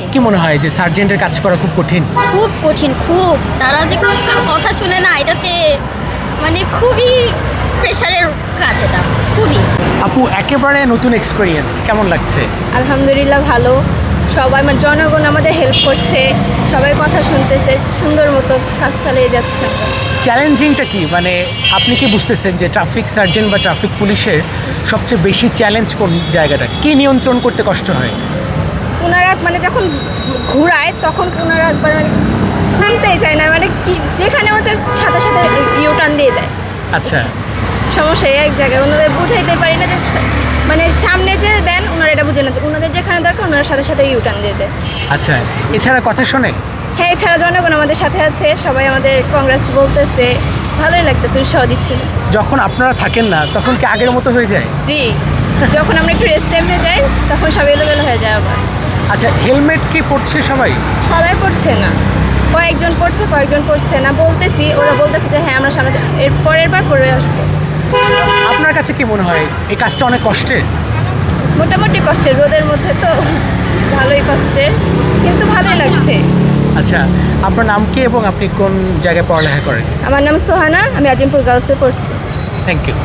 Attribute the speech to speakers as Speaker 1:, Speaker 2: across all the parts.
Speaker 1: কি মনে হয় যে সার্জেন্টের কাজ করা খুব কঠিন?
Speaker 2: খুব কঠিন, খুব। তারা যে কথা শুনে না, এটাতে মানে খুবই প্রেশারের কাজ এটা, খুবই।
Speaker 1: আপু, একেবারে নতুন এক্সপিরিয়েন্স, কেমন লাগছে?
Speaker 3: আলহামদুলিল্লাহ ভালো। সবাই মানে জনগণ আমাদের হেল্প করছে, সবাই কথা শুনতেছে, সুন্দর মতো কাজ চালিয়ে যাচ্ছে।
Speaker 1: চ্যালেঞ্জিংটা কি, মানে আপনি কি বুঝতেছেন যে ট্রাফিক সার্জেন্ট বা ট্রাফিক পুলিশের সবচেয়ে বেশি চ্যালেঞ্জ কোন জায়গাটা? কি নিয়ন্ত্রণ করতে কষ্ট হয়?
Speaker 3: ওনারা মানে যখন ঘুরায় তখন ওনারা মানে শুনতেই চায় না, মানে কি যেখানে হচ্ছে সাথে সাথে ইউটার্ন দিয়ে দেয়।
Speaker 1: আচ্ছা,
Speaker 3: সমস্যা এক জায়গায় ওনাদের বুঝাইতে পারি না যে মানে সামনে যে দেন ওনারা এটা বুঝে না, ওনাদের যেখানে দরকার ওনারা সাথে সাথে ইউটার্ন দিয়ে দেয়।
Speaker 1: আচ্ছা, এছাড়া কথা শোনে?
Speaker 3: হ্যাঁ, এছাড়া জনগণ আমাদের সাথে আছে, সবাই আমাদের কংগ্রেস বলতেছে, ভালোই লাগতেছে, উৎসাহ দিচ্ছে।
Speaker 1: যখন আপনারা থাকেন না তখন কি আগের মতো হয়ে যায়?
Speaker 3: জি, যখন আমরা একটু রেস্ট টাইমে যাই তখন সব এলোমেলো হয়ে যায় আবার।
Speaker 1: আচ্ছা, হেলমেট কি পড়ছে সবাই?
Speaker 3: সবাই পড়ছে না, কয়েকজন পড়ছে কয়েকজন পড়ছে না। বলতেছি, ওরা বলতেছে যে হ্যাঁ আমরা সামনে এর পরের বার পরে আসবো।
Speaker 1: আপনার কাছে কি মনে হয় এই কাজটা অনেক কষ্টের?
Speaker 3: মোটামুটি কষ্টের, রোদের মধ্যে তো ভালোই কষ্টের, কিন্তু ভালোই লাগছে।
Speaker 1: আচ্ছা, আপনার নাম কি এবং আপনি কোন জায়গায় পড়ালেখা করেন?
Speaker 3: আমার নাম সোহানা, আমি আজিমপুর গার্লসে পড়ছি।
Speaker 1: Thank you.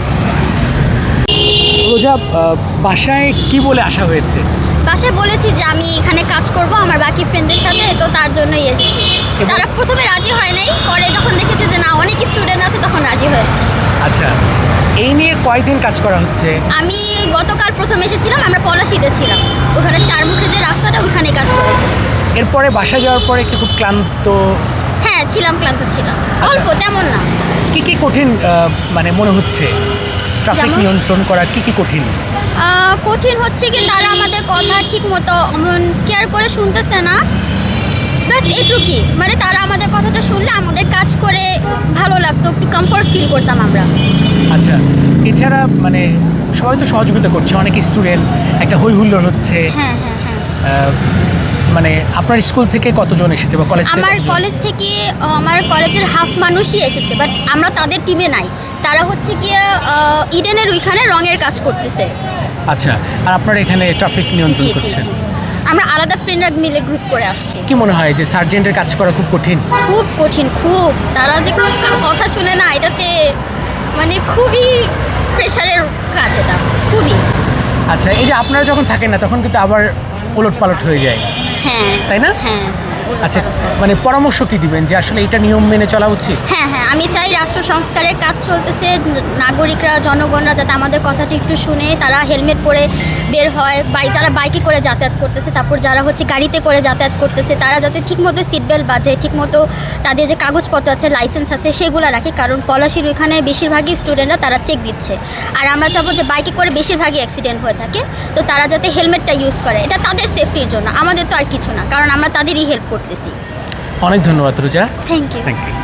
Speaker 1: রোজা, বাসায় কি বলে আসা হয়েছে?
Speaker 2: বাসায় বলেছি যে আমি এখানে কাজ করব আমার বাকি ফ্রেন্ডদের সাথে, তো তার জন্যই এসেছি। তারা প্রথমে রাজি হয় নাই, পরে যখন দেখেছে যে না অনেক স্টুডেন্ট আছে তখন রাজি হয়েছে।
Speaker 1: আচ্ছা, এই নিয়ে কয়দিন কাজ করা হচ্ছে?
Speaker 2: আমি গতকাল প্রথম এসেছিলাম, আমরা পলাশিতে ছিলাম, ওখানে চারমুখে যে রাস্তাটা ওখানে কাজ করেছি।
Speaker 1: এরপরে বাসায় যাওয়ার পরে কি খুব ক্লান্ত?
Speaker 2: হ্যাঁ ছিলাম, ক্লান্ত ছিলাম, অল্প, তেমন না।
Speaker 1: কি কি কঠিন মানে মনে হচ্ছে ট্রাফিক
Speaker 2: যেমন?
Speaker 1: নিয়ন্ত্রণ করা কি কি কঠিন?
Speaker 2: কঠিন হচ্ছে কি তারা আমাদের কথা ঠিক মতো কেয়ার করে শুনতেছে না, ব্যাস এটুকুই। মানে তারা আমাদের কথাটা শুনলে আমাদের কাজ করে ভালো লাগতো, একটু কমফোর্ট ফিল করতাম আমরা।
Speaker 1: আচ্ছা, এছাড়া মানে সবাই তো সহযোগিতা করছে, অনেক স্টুডেন্ট, একটা হই হুল্লোড় হচ্ছে।
Speaker 2: হ্যাঁ হ্যাঁ হ্যাঁ।
Speaker 1: মানে আপনার স্কুল থেকে কতজন এসেছে বা কলেজ থেকে?
Speaker 2: আমার কলেজ থেকে আমার কলেজের হাফ মানুষই এসেছে, বাট আমরা তাদের টিমে নাই। তারা হচ্ছে গিয়ে ইডেনের ওইখানে রঙের কাজ করতেছে।
Speaker 1: আচ্ছা, আর আপনারা এখানে ট্রাফিক নিয়ন্ত্রণ
Speaker 2: জি জি
Speaker 1: করছেন?
Speaker 2: জি, আমরা আলাদা ফ্রেন্ডরা মিলে গ্রুপ করে আসছি।
Speaker 1: কি মনে হয় যে সার্জেন্টের কাজ করা খুব কঠিন?
Speaker 2: খুব কঠিন, খুব। তারা যে কথা শুনে না, এটাতে মানে খুবই প্রেশারের কাজ এটা, খুবই।
Speaker 1: আচ্ছা, এই যে আপনারা যখন থাকেন না তখন কিন্তু আবার ওলট পালট হয়ে যায়,
Speaker 2: হ্যাঁ
Speaker 1: তাই না?
Speaker 2: হ্যাঁ।
Speaker 1: আচ্ছা, মানে পরামর্শ কি দিবেন যে আসলে এটা নিয়ম মেনে চলা উচিত?
Speaker 2: হ্যাঁ হ্যাঁ, আমি চাই রাষ্ট্র সংস্কারের কাজ চলতেছে, নাগরিকরা জনগণরা যাতে আমাদের কথাটা একটু শুনে তারা হেলমেট পরে বের হয়। যারা বাইকে করে যাতায়াত করতেছে, তারপর যারা হচ্ছে গাড়িতে করে যাতায়াত করতেছে, তারা যাতে ঠিকমতো সিট বেল্ট বাঁধে, ঠিকমতো তাদের যে কাগজপত্র আছে, লাইসেন্স আছে, সেগুলো রাখে। কারণ পলাশির ওইখানে বেশিরভাগই স্টুডেন্টরা তারা চেক দিচ্ছে। আর আমরা চাবো যে বাইকে করে বেশিরভাগই অ্যাক্সিডেন্ট হয়ে থাকে, তো তারা যাতে হেলমেটটা ইউজ করে, এটা তাদের সেফটির জন্য, আমাদের তো আর কিছু না, কারণ আমরা তাদেরই হেল্প করতেছি।
Speaker 1: অনেক ধন্যবাদ Roza.
Speaker 2: Thank you.
Speaker 1: Thank you.